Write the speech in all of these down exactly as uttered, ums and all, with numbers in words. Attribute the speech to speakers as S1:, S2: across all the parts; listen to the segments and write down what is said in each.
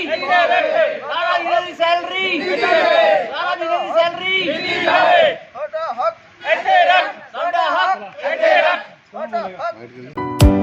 S1: ਸਾਰਾ ਵੀਰੇ ਦੀ ਸੈਲਰੀ ਸਾਰਾ ਵੀਰੇ ਦੀ ਸੈਲਰੀ ਸਾਡਾ ਹੱਕ ਇੱਥੇ ਰੱਖ ਸਾਡਾ ਹੱਕ ਇੱਥੇ ਰੱਖ ਸਾਡਾ ਹੱਕ।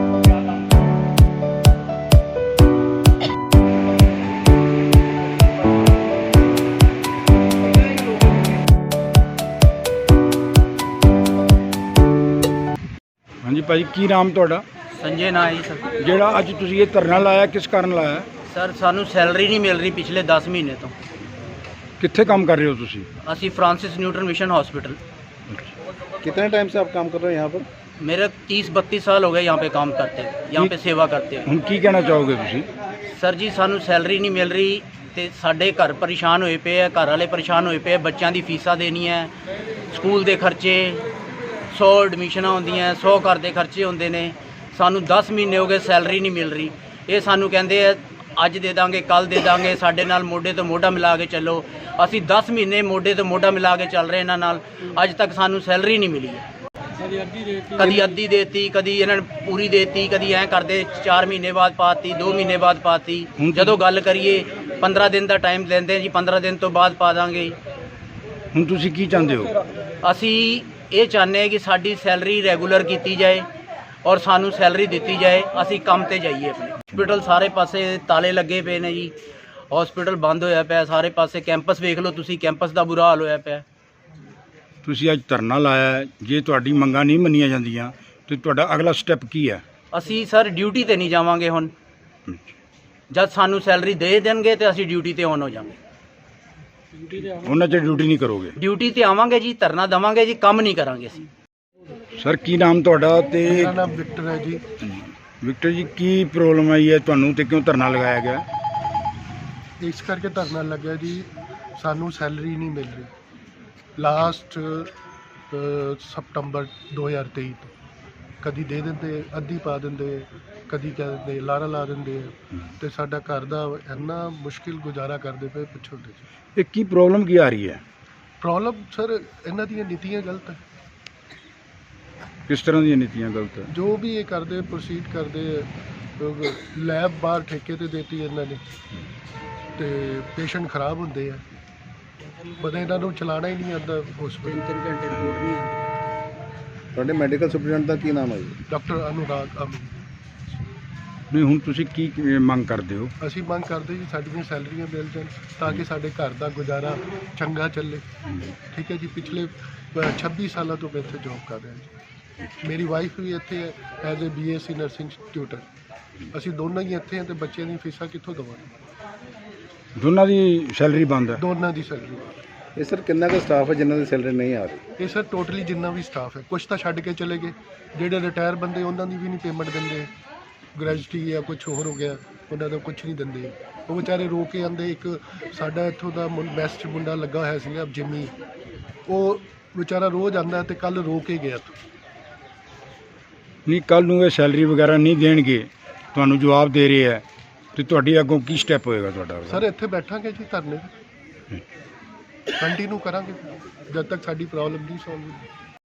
S2: ਹਾਂਜੀ ਭਾਜੀ, ਕੀ ਨਾਮ ਤੁਹਾਡਾ?
S3: संजय ना जी सर।
S2: ਜਿਹੜਾ ਅੱਜ ਤੁਸੀਂ ਇਹ ਧਰਨਾ ਲਾਇਆ ਕਿਸ ਕਾਰਨ ਲਾਇਆ?
S3: सर सानू सैलरी नहीं मिल रही पिछले दस महीने तो।
S2: ਕਿੱਥੇ ਕੰਮ ਕਰ ਰਹੇ ਹੋ ਤੁਸੀਂ?
S3: असी फ्रांसिस न्यूटन मिशन हॉस्पिटल।
S4: कितने टाइम से आप काम कर रहे हैं यहाँ पर?
S3: मेरे तीस बत्तीस साल हो गए यहाँ पे काम करते यहाँ पे सेवा करते हुए।
S2: ਹੁਣ ਕੀ ਕਹਿਣਾ ਚਾਹੋਗੇ ਤੁਸੀਂ?
S3: सर जी सानू सैलरी नहीं मिल रही ਤੇ ਸਾਡੇ ਘਰ ਪਰੇਸ਼ਾਨ ਹੋਏ ਪਏ ਆ, ਘਰ ਵਾਲੇ ਪਰੇਸ਼ਾਨ ਹੋਏ ਪਏ ਆ, ਬੱਚਿਆਂ ਦੀ ਫੀਸਾਂ ਦੇਣੀਆਂ, ਸਕੂਲ ਦੇ ਖਰਚੇ, ਸੌ ਐਡਮਿਸ਼ਨਾਂ ਹੁੰਦੀਆਂ, ਸੌ ਘਰ ਦੇ ਖਰਚੇ ਹੁੰਦੇ ਨੇ। ਸਾਨੂੰ ਦਸ ਮਹੀਨੇ ਹੋ ਗਏ ਸੈਲਰੀ ਨਹੀਂ ਮਿਲ ਰਹੀ। ਇਹ ਸਾਨੂੰ ਕਹਿੰਦੇ ਆ ਅੱਜ ਦੇ ਦਾਂਗੇ, ਕੱਲ ਦੇ ਦਾਂਗੇ, ਸਾਡੇ ਨਾਲ ਮੋਢੇ ਤੋਂ ਮੋਢਾ ਮਿਲਾ ਕੇ ਚੱਲੋ। ਅਸੀਂ ਦਸ ਮਹੀਨੇ ਮੋਢੇ ਤੋਂ ਮੋਢਾ ਮਿਲਾ ਕੇ ਚੱਲ ਰਹੇ ਇਹਨਾਂ ਨਾਲ, ਅੱਜ ਤੱਕ ਸਾਨੂੰ ਸੈਲਰੀ ਨਹੀਂ ਮਿਲੀ ਹੈ। ਕਦੀ ਅੱਧੀ ਦੇਤੀ, ਕਦੀ ਇਹਨਾਂ ਨੇ ਪੂਰੀ ਦੇਤੀ, ਕਦੀ ਐਂ ਕਰਦੇ ਚਾਰ ਮਹੀਨੇ ਬਾਅਦ ਪਾਤੀ, ਦੋ ਮਹੀਨੇ ਬਾਅਦ ਪਾਤੀ। ਜਦੋਂ ਗੱਲ ਕਰੀਏ ਪੰਦਰਾਂ ਦਿਨ ਦਾ ਟਾਈਮ ਲੈਂਦੇ ਜੀ, ਪੰਦਰਾਂ ਦਿਨ ਤੋਂ ਬਾਅਦ ਪਾ ਦਾਂਗੇ।
S2: ਹੁਣ ਤੁਸੀਂ ਕੀ ਚਾਹੁੰਦੇ ਹੋ?
S3: ਅਸੀਂ ਇਹ ਚਾਹੁੰਦੇ ਹਾਂ ਕਿ ਸਾਡੀ ਸੈਲਰੀ ਰੈਗੂਲਰ ਕੀਤੀ ਜਾਏ ਔਰ ਸਾਨੂੰ ਸੈਲਰੀ ਦਿੱਤੀ ਜਾਏ, ਅਸੀਂ ਕੰਮ ਤੇ ਜਾਈਏ ਆਪਣੇ। ਹਸਪੀਟਲ ਸਾਰੇ ਪਾਸੇ ਤਾਲੇ ਲੱਗੇ ਪਏ ਨੇ ਜੀ, ਹਸਪੀਟਲ ਬੰਦ ਹੋਇਆ ਪਿਆ ਸਾਰੇ ਪਾਸੇ। ਕੈਂਪਸ ਵੇਖ ਲਓ ਤੁਸੀਂ, ਕੈਂਪਸ ਦਾ ਬੁਰਾ ਹਾਲ ਹੋਇਆ ਪਿਆ।
S2: ਤੁਸੀਂ ਅੱਜ ਧਰਨਾ ਲਾਇਆ ਹੈ, ਜੇ ਤੁਹਾਡੀ ਮੰਗਾਂ ਨਹੀਂ ਮੰਨੀਆਂ ਜਾਂਦੀਆਂ ਤੇ ਤੁਹਾਡਾ ਅਗਲਾ ਸਟੈਪ ਕੀ ਹੈ?
S3: ਅਸੀਂ ਸਰ ਡਿਊਟੀ ਤੇ ਨਹੀਂ ਜਾਵਾਂਗੇ ਹੁਣ। ਜਦ ਸਾਨੂੰ ਸੈਲਰੀ ਦੇ ਦੇਣਗੇ ਤੇ ਅਸੀਂ ਡਿਊਟੀ ਤੇ ਆਨ ਹੋ ਜਾਵਾਂਗੇ।
S2: ਉਹਨਾਂ 'ਚ ਡਿਊਟੀ ਨਹੀਂ ਕਰੋਗੇ?
S3: ਡਿਊਟੀ ਤੇ ਆਵਾਂਗੇ ਜੀ, ਧਰਨਾ ਦੇਵਾਂਗੇ ਜੀ, ਕੰਮ ਨਹੀਂ ਕਰਾਂਗੇ ਅਸੀਂ।
S2: ਸਰ ਕੀ ਨਾਮ ਤੁਹਾਡਾ? ਤੇ
S4: मेरा नाम विक्टर है जी।
S2: ਵਿਕਟਰ ਜੀ, ਕੀ ਪ੍ਰੋਬਲਮ ਆਈ ਹੈ ਤੁਹਾਨੂੰ ਤੇ ਕਿਉਂ ਧਰਨਾ ਲਗਾਇਆ ਗਿਆ?
S4: ਇਸ ਕਰਕੇ ਧਰਨਾ ਲੱਗਿਆ ਜੀ, ਸਾਨੂੰ ਸੈਲਰੀ ਨਹੀਂ ਮਿਲ ਰਹੀ ਲਾਸਟ ਸਤੰਬਰ ਦੋ ਹਜ਼ਾਰ ਤੇਈ ਤੋਂ। ਕਦੀ ਦੇ ਦਿੰਦੇ, ਅੱਧੀ ਪਾ ਦਿੰਦੇ, ਕਦੀ ਕਹਿ ਦਿੰਦੇ ਲਾਰਾ ਲਾ ਦਿੰਦੇ, ਤੇ ਸਾਡਾ ਘਰ ਦਾ ਇੰਨਾ ਮੁਸ਼ਕਿਲ ਗੁਜ਼ਾਰਾ ਕਰਦੇ ਪਏ ਪਿੱਛੋਂ ਦੇ।
S2: ਇਹ ਕੀ ਪ੍ਰੋਬਲਮ ਕੀ ਆ ਰਹੀ ਹੈ?
S4: ਪ੍ਰੋਬਲਮ ਸਰ ਇਹਨਾਂ ਦੀਆਂ ਨੀਤੀਆਂ ਗਲਤ ਹੈ।
S2: ਕਿਸ ਤਰ੍ਹਾਂ ਦੀਆਂ ਨੀਤੀਆਂ ਗਲਤ ਹੈ?
S4: ਜੋ ਵੀ ਇਹ ਕਰਦੇ ਪ੍ਰੋਸੀਡ ਕਰਦੇ, ਲੈਬ ਬਾਹਰ ਠੇਕੇ ਤੇ ਦੇਤੀ ਇਹਨਾਂ ਨੇ, ਤੇ ਪੇਸ਼ੈਂਟ ਖਰਾਬ ਹੁੰਦੇ ਆ, ਪਤਾ ਇਹਨਾਂ ਨੂੰ ਚਲਾਉਣਾ ਹੀ ਨਹੀਂ ਆਉਂਦਾ ਹਸਪੀਟਲ। ਤਿੰਨ ਘੰਟੇ ਰਿਪੋਰਟ ਨਹੀਂ ਆਉਂਦੀ।
S5: ਤੁਹਾਡੇ ਮੈਡੀਕਲ ਸੁਪਰਡੈਂਟ ਦਾ ਕੀ ਨਾਮ ਹੈ ਜੀ?
S4: ਡਾਕਟਰ ਅਨੁਰਾਗ ਅਮਨ।
S2: ਨਹੀਂ, ਹੁਣ ਤੁਸੀਂ ਕੀ ਕੀ ਮੰਗ ਕਰਦੇ ਹੋ?
S4: ਅਸੀਂ ਮੰਗ ਕਰਦੇ ਜੀ ਸਾਡੀਆਂ ਸੈਲਰੀਆਂ ਮਿਲ ਜਾਣ ਤਾਂ ਕਿ ਸਾਡੇ ਘਰ ਦਾ ਗੁਜ਼ਾਰਾ ਚੰਗਾ ਚੱਲੇ। ਠੀਕ ਹੈ ਜੀ, ਪਿਛਲੇ ਅ, ਛੱਬੀ ਸਾਲਾਂ ਤੋਂ ਮੈਂ ਇੱਥੇ ਜੋਬ ਕਰ ਰਿਹਾ ਜੀ। ਮੇਰੀ ਵਾਈਫ ਵੀ ਇੱਥੇ ਹੈ as a B S C nursing tutor. ਅਸੀਂ ਦੋਨੋਂ ਹੀ ਇੱਥੇ ਹਾਂ ਤੇ ਬੱਚਿਆਂ ਦੀਆਂ ਫੀਸਾਂ ਕਿੱਥੋਂ ਦੇਵਾਂਗੇ?
S2: ਦੋਨਾਂ ਦੀ ਸੈਲਰੀ ਬੰਦ ਹੈ?
S4: ਦੋਨਾਂ ਦੀ ਸੈਲਰੀ।
S5: ਇਹ ਸਰ ਕਿੰਨਾ ਕੁ ਸਟਾਫ ਹੈ ਜਿਨ੍ਹਾਂ ਦੀ ਸੈਲਰੀ ਨਹੀਂ ਆ ਰਹੀ?
S4: ਇਹ ਸਰ ਟੋਟਲੀ ਜਿੰਨਾ ਵੀ ਸਟਾਫ ਹੈ, ਕੁਛ ਤਾਂ ਛੱਡ ਕੇ ਚਲੇ ਗਏ। ਜਿਹੜੇ ਰਿਟਾਇਰ ਬੰਦੇ ਉਹਨਾਂ ਦੀ ਵੀ ਨਹੀਂ ਪੇਮੈਂਟ ਦਿੰਦੇ, ਗ੍ਰੈਜੂਟੀ ਜਾਂ ਕੁਛ ਹੋਰ ਹੋ ਗਿਆ, ਉਹਨਾਂ ਦਾ ਕੁਛ ਨਹੀਂ ਦਿੰਦੇ। ਉਹ ਵਿਚਾਰੇ ਰੋ ਕੇ ਆਉਂਦੇ। ਇੱਕ ਸਾਡਾ ਇੱਥੋਂ ਦਾ ਬੈਸਟ ਮੁੰਡਾ ਲੱਗਾ ਹੋਇਆ ਸੀਗਾ ਜਿੰਮੀ, ਉਹ ਵਿਚਾਰਾ ਰੋਜ਼ ਆਉਂਦਾ ਤੇ ਕੱਲ ਰੋ ਕੇ ਗਿਆ।
S2: ਨਹੀਂ, ਕੱਲ ਨੂੰ ਇਹ ਸੈਲਰੀ ਵਗੈਰਾ ਨਹੀਂ ਦੇਣਗੇ, ਤੁਹਾਨੂੰ ਜਵਾਬ ਦੇ ਰਹੇ ਹੈ, ਤੇ ਤੁਹਾਡੀ ਅੱਗੋਂ ਕੀ ਸਟੈਪ ਹੋਏਗਾ ਤੁਹਾਡਾ?
S4: ਸਰ ਇੱਥੇ ਬੈਠਾਂਗੇ ਜੀ ਧਰਨੇ ਤੇ, ਕੰਟੀਨਿਊ ਕਰਾਂਗੇ ਜਦ ਤੱਕ ਸਾਡੀ ਪ੍ਰੋਬਲਮ ਨਹੀਂ ਸੋਲਵ ਹੁੰਦੀ।